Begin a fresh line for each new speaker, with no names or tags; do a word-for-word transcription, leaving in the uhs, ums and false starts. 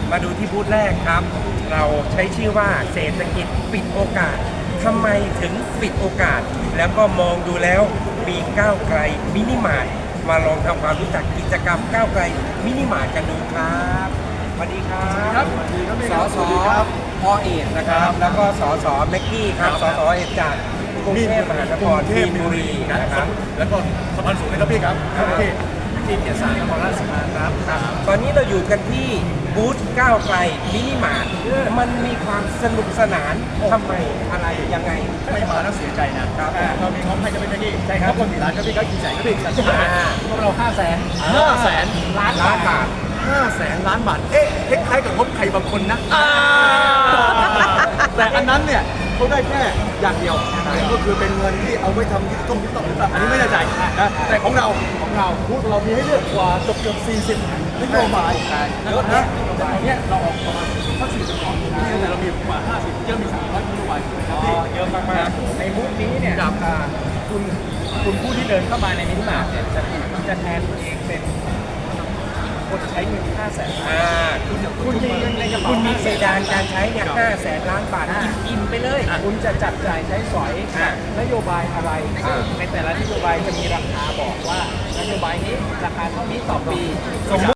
มาดูที่บูธแรกครับ เราใช้ชื่อว่าเศรษฐกิจปิดโอกาสทำไมถึงปิดโอกาส แล้วก็มองดูแล้วมีก้าวไกลมินิมาร์ทมาลองทำความรู้จักกิจกรรมก้าวไกลมินิมาร์ทกันดูครับสวัสดีครับสสพอเอกนะครับ แล้วก็สสแม็กกี้ครับสสเอกจากกรุงเทพมหานครมีนบุรีนะครับ
แล้วก็สะพานสูงนะครับพี่ครับพี่ที่เกียรติศาสตร์นครราชสีมาครับ
ตอนนี้เราอยู่กันที่บูธก้าวไกลมินิมาร์ทมันมีความสนุกสนานทำไมอะไรยังไง
ไม่มาแล้วเสียใจนะครับเรามีงบให้จะเป็นพี่
ใช่ครับ
คนกี่ล้านครับพี่ก็กี่แสนครับพี่กันใช่ไหม
อ่า
พวกเราห้าแสนห้าแสนล้าน
ล้านบาท
ห้าแสนล้านบาทเอ๊ะคล้ายๆกับงบใครบางคนนะแต่อันนั้นเนี่ยเขาได้แค่อย่างเดียวก็คือเป็นเงินที่เอาไว้ทำที่ต้องที่ต้องหรือเปล่าอันนี้ไม่แน่ใจนะแต่ของเราของเราพูดเรามีให้เลือกกว่าเกือบเกือบสี่สิบนโยบายเยอะนะแต่อันเนี้ยเราออกประมาณสักสี่สิบกว่าแต่เรามีกว่าห้าสิบเยอะมีสามร้อยนโยบายที่เยอะมากๆในบูธนี้เนี่ยคุณคุณผู้ที่เดินเข้ามาในมินิมาร์ทเนี่ยจะจะแทนตัวเองเป็นคนใช้เงินห้าแสน
อ่าคุณคุณมีเงินในกระเป๋าคุณมีเพดานการใช้เนี่ยห้าแสนล้านบาทอิ่มอิ่มไปเลย
คุณจะจับจ่ายใช้สอย
อ่ะ
นโยบายอะไรซึ่งในแต่ละนโยบายจะมีราคาบอกว่านโยบายนี้ราคาเท่านี้ต่อปี